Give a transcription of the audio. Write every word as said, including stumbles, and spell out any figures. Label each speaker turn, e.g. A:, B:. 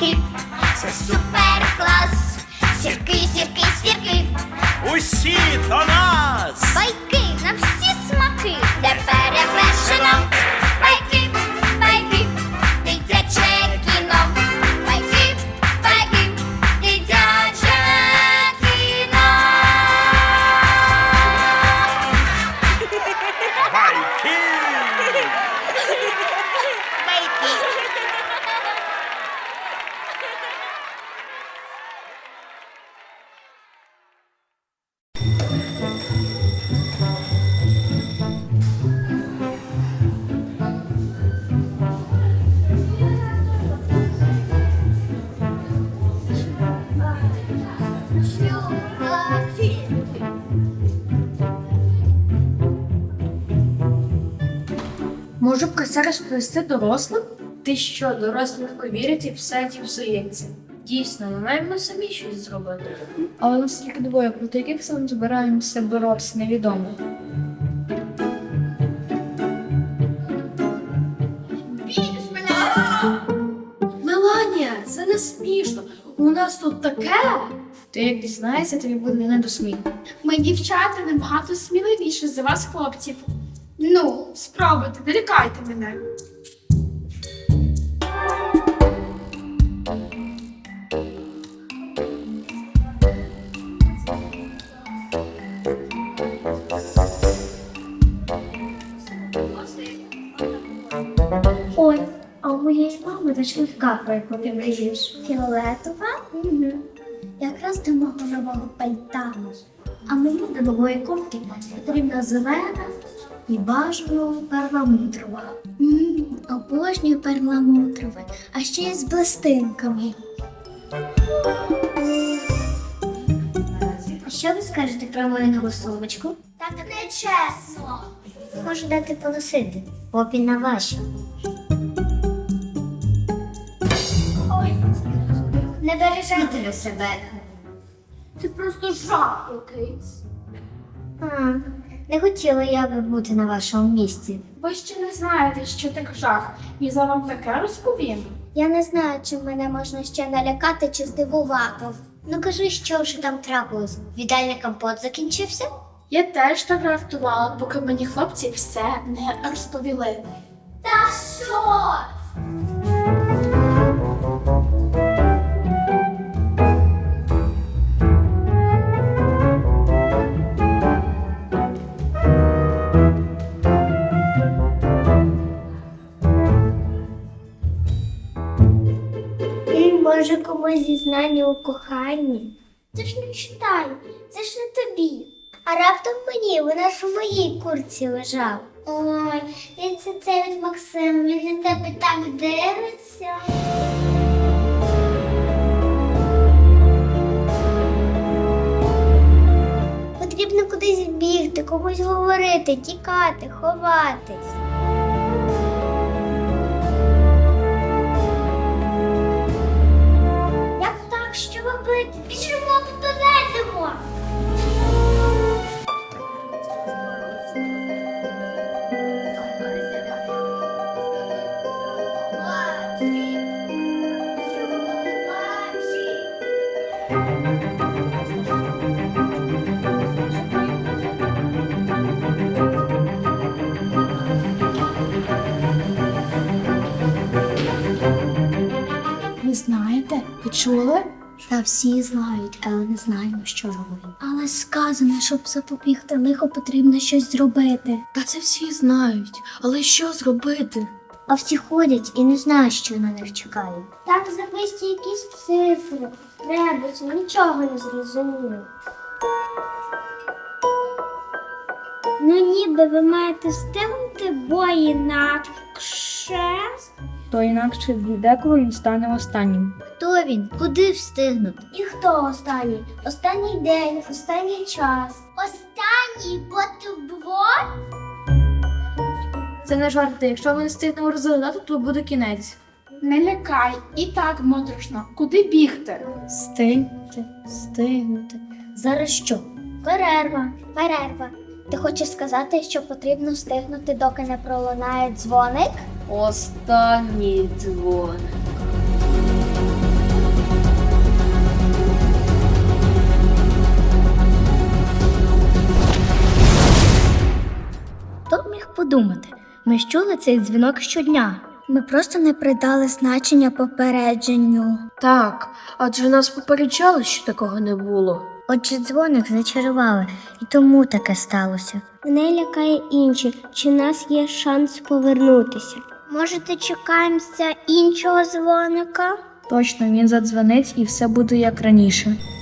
A: сірки, це супер клас. Сірки, сірки, сірки,
B: Усі до нас!
A: байки на всі смаки, де перевершено. Байки, байки, дитяче кіно. Байки, байки, дитяче кіно.
B: Байки!
C: Можу про це розповісти дорослим? Ти що, дорослі легко вірять і все ті псується. Дійсно, ми маємо самі щось зробити. Але нас тільки двоє, проти яких саме збираємося боротися, невідомо. Меланія, це не смішно. У нас тут таке. Ти як дізнаєшся, тобі буде не до сміху.
D: Ми, дівчата, набагато сміливіші за вас, хлопців. Ну, спробуйте, не лякайте мене.
E: Ой, а у моєї мами дочка, про яку ти мрієш. Фіолетова? Угу. Якраз до мого нового пальта. А мені до нової куртки потрібна зелена і бажано перламутрова. Ммм, обожнюю перламутрове, а ще й з блистинками. А що ви скажете про мою нову сумочку?
A: Так не чесно.
E: Можу дати поносити, попі на ваші. Не бережете ви себе.
D: Це просто жах якийсь.
E: А, не хотіла я би бути на вашому місці.
D: Ви ще не знаєте, що таке жах. І за вам таке розповім.
E: Я не знаю, чи мене можна ще налякати чи здивувати. Ну кажи, що вже там трапилось? Віддальний компот закінчився?
D: Я теж так жартувала, поки мені хлопці все не розповіли.
A: Та що?
E: І може комусь зізнання у коханні? Це ж не читай, це ж не тобі. А раптом мені, вона ж у моїй куртці лежав. Ой, він це це від Максима, він на тебе так дивиться. Потрібно кудись бігти, комусь говорити, тікати, ховатись. Як так? Що робити? Біжимо, попередимо!
D: Ви знаєте? Ви чули?
E: Та всі знають, але не знаємо, що робити. Але сказано, щоб запобігти лихо, потрібно щось зробити.
C: Та це всі знають, але що зробити?
E: А всі ходять і не знають, що на них чекає. Так записті якісь цифри, ребуси, нічого не зрозуміло. Ну ніби ви маєте встигнути, бо інакше...
C: То інакше деколи він стане останнім.
E: Хто він? Куди встигнути? І хто останній? Останній день, останній час.
A: Останній бутерброд?
C: Це не жарти. Якщо ми не встигнемо розглядати, то буде кінець.
D: Не лякай, і так моторошно. Куди бігти?
E: Встигнути, встигнути. Зараз що? Перерва, перерва. Ти хочеш сказати, що потрібно встигнути, доки не пролунає дзвоник?
C: Останній дзвоник.
E: подумати. Ми ж чули цей дзвінок щодня. Ми просто не придали значення попередженню.
C: Так, адже нас попереджали, що такого не було.
E: Отже, дзвоник зачарували, і тому таке сталося. Мене лякає інше, чи в нас є шанс повернутися. Може, чекаємося іншого дзвоника?
C: Точно, він задзвонить і все буде як раніше.